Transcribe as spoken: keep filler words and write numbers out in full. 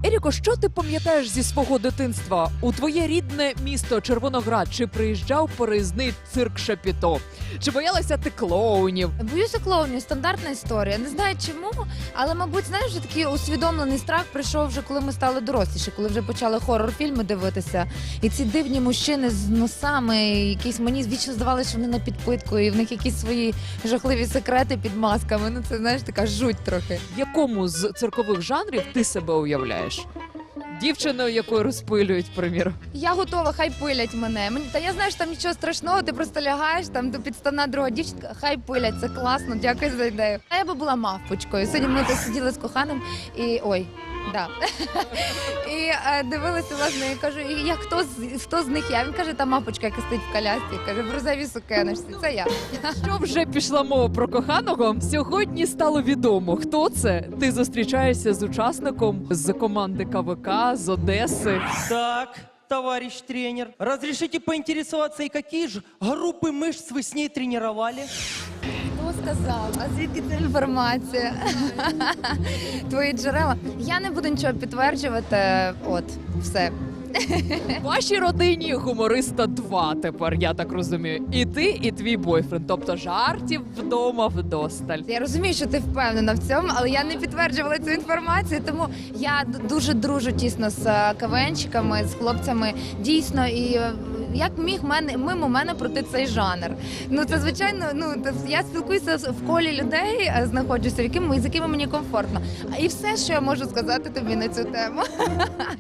Еріко, що ти пам'ятаєш зі свого дитинства? У твоє рідне місто Червоноград чи приїжджав переїзний цирк Шапіто? Чи боялася ти клоунів? Боюся клоунів, стандартна історія. Не знаю чому, але, мабуть, знаєш, вже такий усвідомлений страх прийшов вже, коли ми стали доросліші, коли вже почали хорор-фільми дивитися. І ці дивні мужчини з носами, якісь мені вічно здавалося, що вони на підпитку, і в них якісь свої жахливі секрети під масками. Ну це, знаєш, така жуть трохи. В якому з циркових жанрів ти себе уявляєш? Дівчиною, якою розпилюють, приміром. Я готова, хай пилять мене. Мені та я знаю, що там нічого страшного, ти просто лягаєш там до підставна друга дівчинка, хай пилять, це класно, дякую за ідею. А я би була мавпочкою. Сьогодні ми тут сиділи з коханим і ой. Да. І е, дивилися, власне, і кажу, і я, хто, з, хто з них я? Він каже, та мавпочка, яка стоїть в колясці, каже, в рожевій сукеночці, це я. Що вже пішла мова про коханого? Сьогодні стало відомо, хто це. Ти зустрічаєшся з учасником з команди КВК, з Одеси. Так, товарищ тренер, разрешите поинтересоваться, и какие же группы мышц вы с ней тренировали? Хто сказав? А звідки ця інформація? Твої джерела. Я не буду нічого підтверджувати, от, все. В вашій родині гумориста два тепер, я так розумію. І ти, і твій бойфренд. Тобто жартів вдома вдосталь. Я розумію, що ти впевнена в цьому, але я не підтверджувала цю інформацію, тому я д- дуже дружу тісно з е, КВНщиками, з хлопцями. Дійсно, і е, як міг мене мимо мене пройти цей жанр. Ну це звичайно. Ну т- я спілкуюся з- в колі людей, е, знаходжуся, в яким з якими мені комфортно. А і все, що я можу сказати тобі на цю тему.